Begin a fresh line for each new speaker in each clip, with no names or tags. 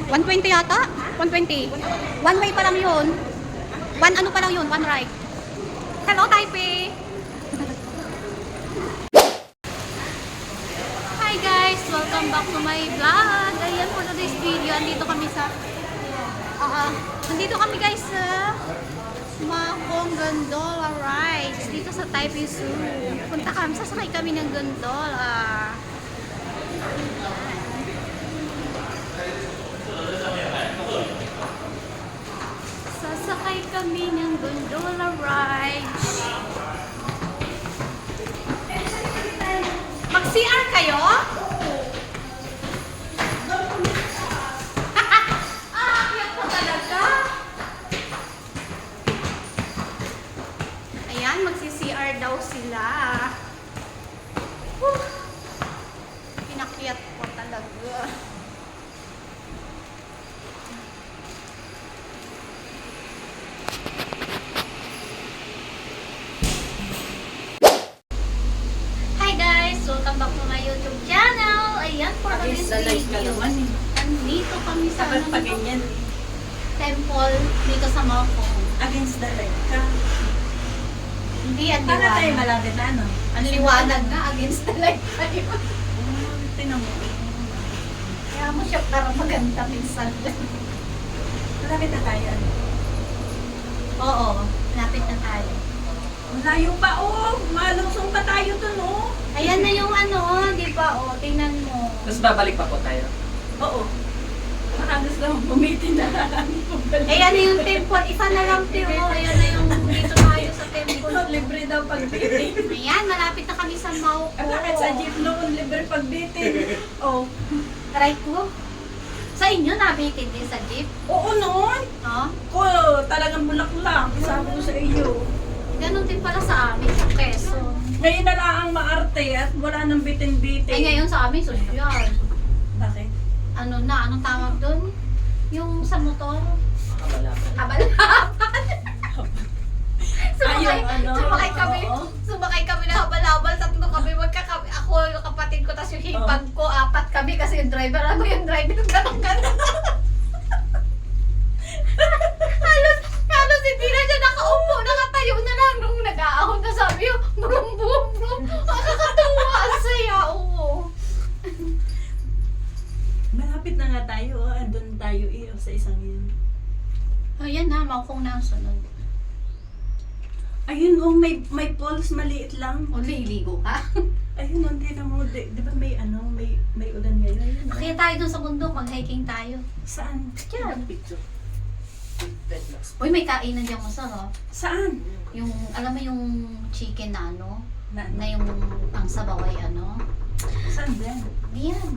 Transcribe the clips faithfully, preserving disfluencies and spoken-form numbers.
one twenty yata? one twenty. One way pa lang yun. One ano pa lang yun, one right. Hello, Taipei! Hi guys! Welcome back to my vlog! Ayan for today's video. Andito kami sa... Ah, uh, andito kami guys sa... Mahong Gondola Rides. Dito sa Taipei Zoo. Punta kami, sasakay kami ng gondola. Sasakay kami ng gondola rides. Mag-C R kayo? Ah, kaya po talaga. Ayan, magsi-C R daw sila. Whew. Pinakyat po talaga. Welcome back to my YouTube channel. Ayan, for today's video. Nandito kami sa ano, temple dito sa Mahong.
Against the light ka.
Hindi, ang
Para tayo
liwanag.
malapit na ano?
Ang liwanag na against the light tayo.
Oh, tinan mo.
Kaya mo siya para maganda minsan.
Malapit na tayo. Ano?
Oo, lapit na tayo.
Malayo pa, oh! Malusong pa tayo dun, oh!
Ayan na yung ano, di ba? O, tingnan mo.
Tapos babalik pa po tayo.
Oo. Baka gusto mong bumitin na lang.
Ayan na yung temple. Isa na lang, Tio. Ayan na yung dito tayo sa temple.
Libre daw pag-bitin.
Ayan, malapit na kami sa Mahong.
At bakit sa jeep noon, libre pag-bitin? Oh.
Right ko? Sa inyo, nabitin din sa jeep?
Oo noon!
No?
Ko, talagang bulaklak. Sabi ko sa iyo.
Ganon din pala sa amin, sa Quezon.
Ngayon na lang ang maarte at wala nang bitin-bitin.
Ay, ngayon sa amin, social.
Bakit?
Ano na, anong tawag doon? Yung sa motor?
Kabalakan.
Habal-habal. sumakay,
Ay, yung ano,
sumakay kami,
oo.
sumakay kami na habal-habal. Tatlo kami, magkakami. Ako, yung kapatid ko, tapos yung hipag ko, apat kami kasi yung driver. Ano yung driver? Ganong-ganon. halos, halos hindi na siya nakaupo. Nakatayo na lang nung nag-aahon na sabi yung brum brum brum. Nakakatawa ang saya, oo.
Malapit na nga tayo, oh. Andun tayo eh, oh, sa isang yun.
Ayan na, Mahong na ang sunod.
Ayun, oh, may, may poles, maliit lang.
O, liligo ka?
Ayun, oh, hindi na mo, di, di ba may ano, may, may ulan ngayon? Ayun, oh.
Kaya tayo dun sa bundok, mag-hiking tayo.
Saan?
Diyan.
Picture.
Uy, may kainan dyan masarap.
Saan?
Yung, alam mo yung chicken na ano?
Na,
Na yung ang sabaw ay ano?
saan din?
Diyan.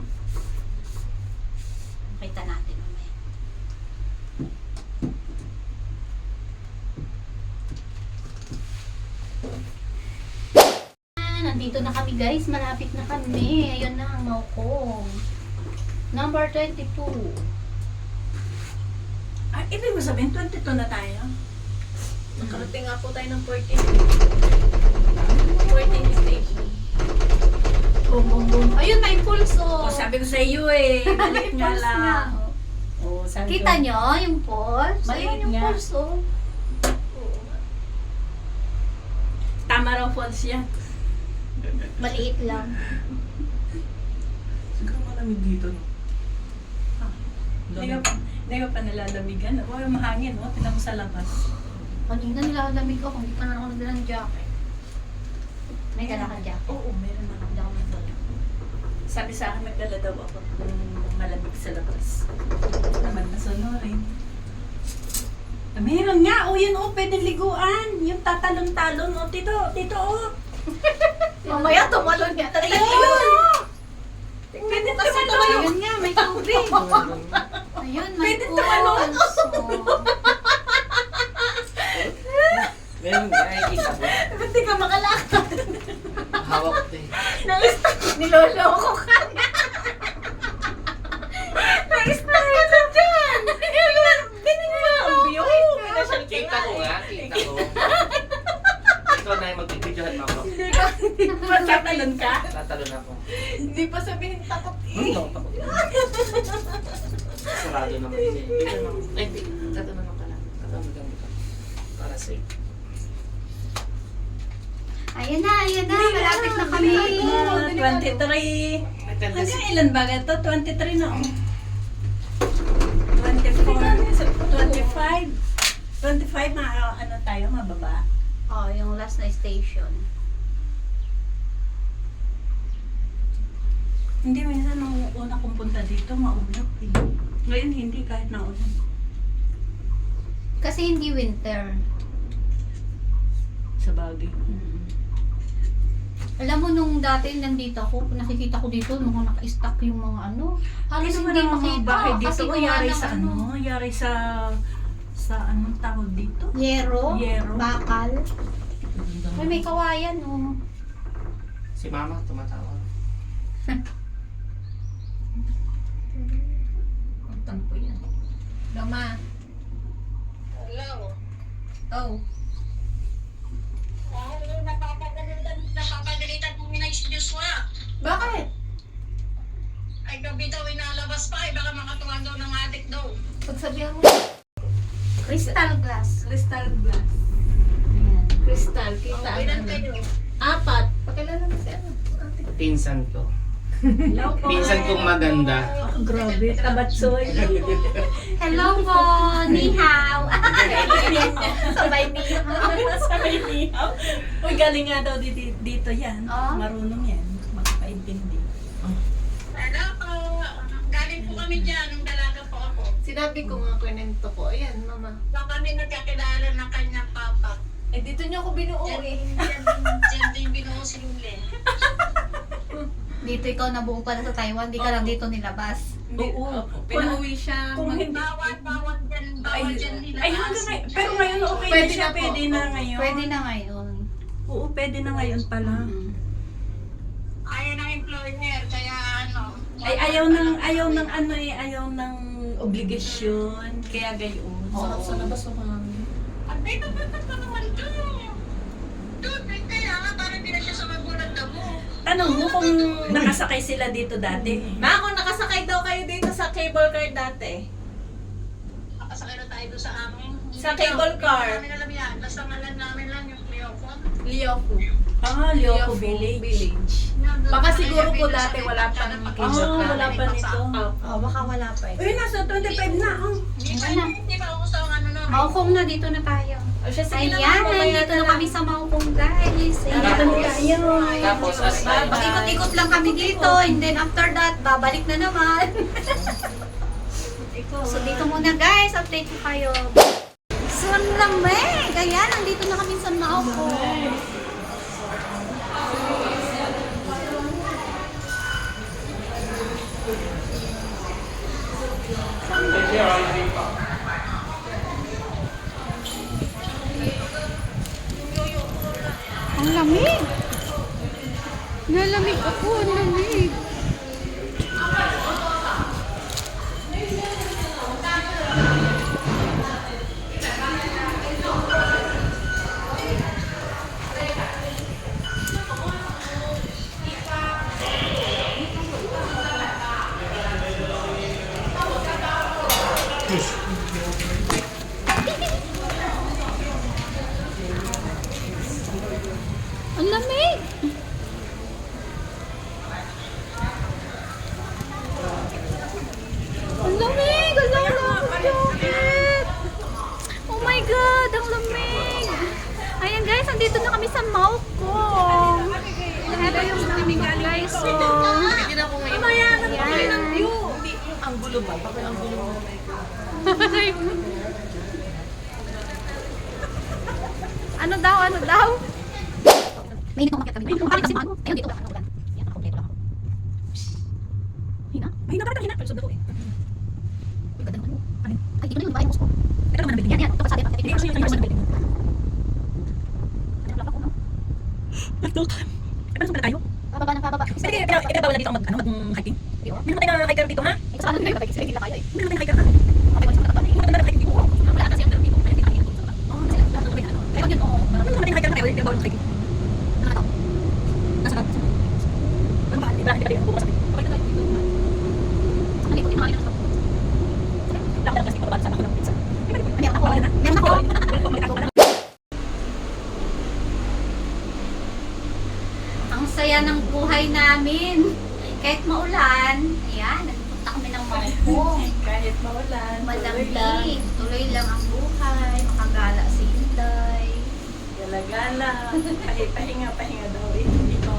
Kita natin mamaya. Ah, nandito na kami guys. Malapit na kami. Ayun na ang Mahong. Number twenty-two.
Ah, ibig mo sabihin, twenty-two na tayo?
Nakarating nga po tayo ng fourteen. fourteen station.
Boom, boom, boom. Ayun, may pulso.
O, sabi ko sa iyo eh, maliit nga
Pulse
lang.
nga.
Oh, sabi
Kita
ko,
nyo yung pulse?
Maliit
Ayun yung
nga.
pulse, oh.
tama raw falls yan.
Maliit lang.
Siguro malamig dito, no?
Hindi ka pa, hindi ka pa nalalamigan. O, mahangin, o, tinan mo sa labas.
Kanina nilalamig ako, hindi pa na ako nagdala ng jacket. May dala kang jacket.
Oo, meron na.
Hindi ako nagdala.
Sabi sa akin, nagdala daw ako ng malamig sa labas. Naman nasunurin. Ah, meron nga, o yun o, pwedeng liguan. Yung tatalon-talon, o, tito, tito, o.
Mamaya tumalon nga talaga
Ayun!
yun.
Pwede
Kasi
tumalon.
tumalon nga, may tubig. Ayun, may
Pwede
pulse.
tumalon.
Meron nga, nakikita ko.
Ba't di ka makalakad?
Hawak ko eh.
Niloloko ka na. Na-style ka dyan.
Ganun ba ang view? Pinasyal
Kita ko nga, kita ko. Ikaw na yung magbibidyohan mo ako.
Hindi ka, magtatalon ka?
Tatalon ako.
Hindi pa sabihin takot
Hmm,
eh.
takot ako. sarado naman siya. Hindi naman. Ay, hindi. Ito naman pala. Ito maganda ka. Para safe.
Ayan na, ayan na. Malapit na kami.
twenty-three.
May tendency.
Hanggang ilan ba ito? twenty-three na oh. twenty-four, twenty-five. twenty-five, ma ano tayo, mababa.
Oh, yung last na station.
Hindi, minsan nung una kong punta dito, maulap eh. Ngayon hindi, kahit naulan.
Kasi hindi winter.
Sa bagay.
Alam mo, nung dati nandito ako, nakikita ko dito, mga naka-stack yung mga ano. Halos
Hindi naman
hindi
ang mga
makita.
bahay
Kasi
dito,
gawa
yari
ng
sa ano, yari sa, sa anong tawag dito?
Yero,
Yero.
bakal. Ay, may kawayan, oh.
Si mama tumatawa.
Ang tampo yan.
Lama.
Hello.
Oh.
Hello, napapagalitan, napapagalitan po na si Joshua.
Bakit?
Ay, gabi daw inalabas pa, ay baka makatuwan daw ng adik daw.
Pagsabihan mo. Crystal glass.
Crystal glass.
Ayan.
Crystal, kita
Oh,
ang
ilan
ano.
kayo?
Apat. Pakilala mo si ano. Ate.
Pinsan ko.
Hello po.
Pinsan kong maganda.
Oh, grabe, tabatsoy.
Hello po, ni hao.
Sabay niyo.
Sabay niya. Uy, galing nga daw dito, dito yan.
Oh.
Marunong yan. Magpaintindi.
Hello po. Galing po kami dyan, nung dalaga po ako.
Sinabi ko nga kwento ko. Ayan, mama.
Baka kami nagkakilala ng kanyang papa.
Eh, dito niyo ako binuo
Diyan,
eh.
diyan, diyan din binuo si Lule.
Dito ikaw nabuo ka na sa Taiwan, di ka lang dito nilabas.
Oo.
Pinauwi siya.
Kung
mag-
hindi,
Bawal, bawal dyan,
ay,
bawal dyan nila.
ay hanggang ngayon. Pero ngayon okay
Pwede
na siya.
na po.
Pwede na ngayon.
Pwede na ngayon.
Oo, pwede na ngayon pala.
Ayaw ng employer, kaya ano.
Ay, ayaw ng, ayaw ng ano eh, ayaw ng obligasyon. Kaya gayon.
Oo.
Sa labas o mga.
At dito, dito pa naman doon. Doon, eh, kaya nga, parang di na siya sa magulang damo.
Tanong mo kung nakasakay sila dito dati.
Ma, kung nakasakay daw kayo dito sa cable car dati.
Nakasakay na tayo doon sa amin.
Sa cable car.
Hindi namin alam yan. Basta ngalan namin lang yung Cleophon.
Lioko.
Ah, Lioco Village.
Baka siguro po dati wala pang
Ah,
cable car.
wala pa nito.
Oh, baka wala pa eh.
Uy, nasa twenty-five na. Oh.
Hindi pa, hindi pa ako sa ano no.
Maukong na, dito na tayo.
O siya, sige
Ayan,
na mamaya
nandito na kami sa Maukong guys.
Dito
Ayan.
na tayo.
Tapos, as
Bye-bye.
Ikot-ikot lang kami dito, and then after that, babalik na naman. So dito muna guys, update ko kayo. So ang lamig! Ayan, nandito na kami sa Maukong. Ang lamig! Nalamig ako, ang lamig! Ang lamig! Ang lamig! Ang lamig! Oh my God! Ang lamig! Ayan guys, andito na kami sa Maukong. Ito yung lamig guys. So,
Hindi na ako ngayon.
ayan.
Ang gulo ba? Bakit ang gulo mo?
Ano daw? Ano daw? May hinag akong kami. May hinag kasi ano? Ayun, dito lang. Ano, yan, kompleto lang ako. Hina?
Mahina ka rin, mahina. Pero sunod ko eh.
Uy, ganda naman mo. Ano? Ay, dito na yung bahay mo.
Ito naman ang building.
Yan, yan. Ito pa sabi.
Hindi kasi yung kanya sa building. Ito. Eh, paano pala tayo?
Bababa ng bababa.
Sige, kaya kaya bawal na dito ang mag ano, mag-hiking. May namatay na hiker dito, ha?
Ito sa ano kayo? Kapag hindi na kaya eh.
May namatay na hiker, ha?
Okay, wala sa mga
May namatay na hiking dito.
Wala kasi ang dito. Kaya hindi tayo dito. Oo, kasi lahat ng ano. Kaya yun, oo.
May namatay na hiker, kaya bawal na hiking.
Ano na to?
Nasa ka? Ano ba? Hindi ba? Hindi ba? Bukas.
Okay na tayo dito. Ang likod, yung mga ina. namin. Kahit maulan, ayan, nagpunta kami ng Mangkong.
Kahit maulan, tuloy lang.
Malamig, tuloy lang ang buhay, makagala si Inday.
Gala-gala. Kahit pahinga-pahinga daw. Ikaw.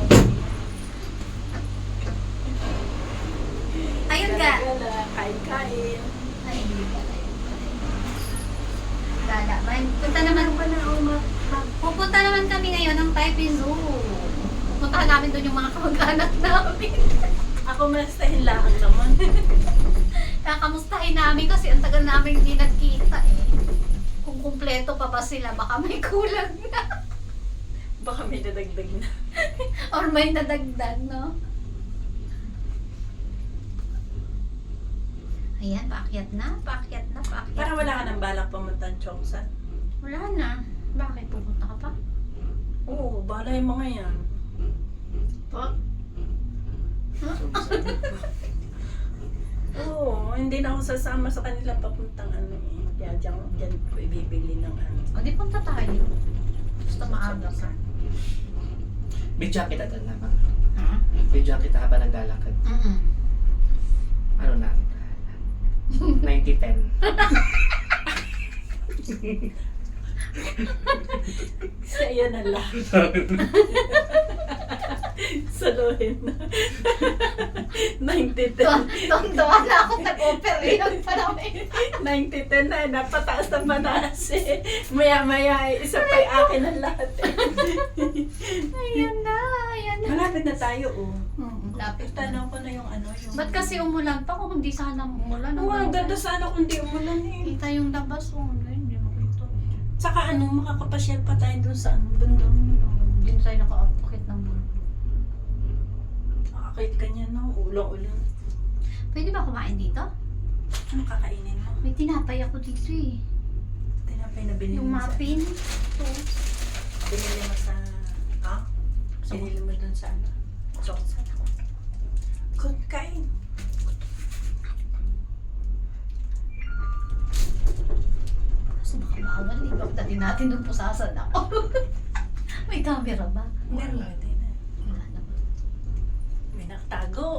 Ayun nga.
Gala-gala. Kain-kain.
Ay, hindi pala yun pala. Gala man. Punta naman pa na, pupunta naman kami ngayon ng Taipei Zoo. Punta namin doon yung mga kamag-anak namin.
Ako mastahin lang naman.
Kakamustahin namin kasi ang tagal namin hindi nagkita eh. Kung kumpleto pa ba sila, baka may kulang na.
Baka may dadagdag na.
Or may nadagdag, no? Ayan, paakyat na, paakyat na, paakyat
Parang wala ka
na.
ng balak pumunta ng Chongsan.
Wala na. Bakit pupunta ka pa?
Oo, bahala yung mga yan.
Pa?
Oo, hindi na ako sasama sa kanila papuntang ano eh. Kaya dyan, dyan ko ibibili ng ano.
O, di punta tayo. Basta maaga ka.
Bidya kita doon na ba?
Ha?
Bidya kita habang naglalakad.
Mm-mm.
Ano na? ninety ten.
Sa'yo na lang. Saluhin na. ninety ten.
Tuwan-tuwa na ako nag-operate pa namin.
ninety ten na, napataas na manaas eh. Maya-maya, eh, isa pa yung akin ang lahat eh.
Ayan na, ayan na.
Malapit na tayo oh.
Mm, lapit na.
Tanong ko na yung ano yung...
Ba't kasi umulan pa kung hindi sana umulan?
Oo, ang ganda sana kung di umulan eh.
Kita yung labas, oh, hindi makita.
Saka ano, makakapasyal pa tayo dun sa ano, bundong.
Hindi na tayo naka-upakit ng bulo.
Nakakait ka niya no, ulang-ulang.
Pwede ba kumain dito?
Ano kakainin mo?
May tinapay ako dito eh.
Tinapay na binili
Yung
mo sa...
muffin. Ito.
Binili mo sa... Ha?
Sa-
Binili mo dun sa ano? Choksa. Good, kain.
Kasi baka bawal eh. Pagdating natin doon pusasan ako. May camera ba?
Meron
Wala.
din eh.
Wala naman.
May nakatago.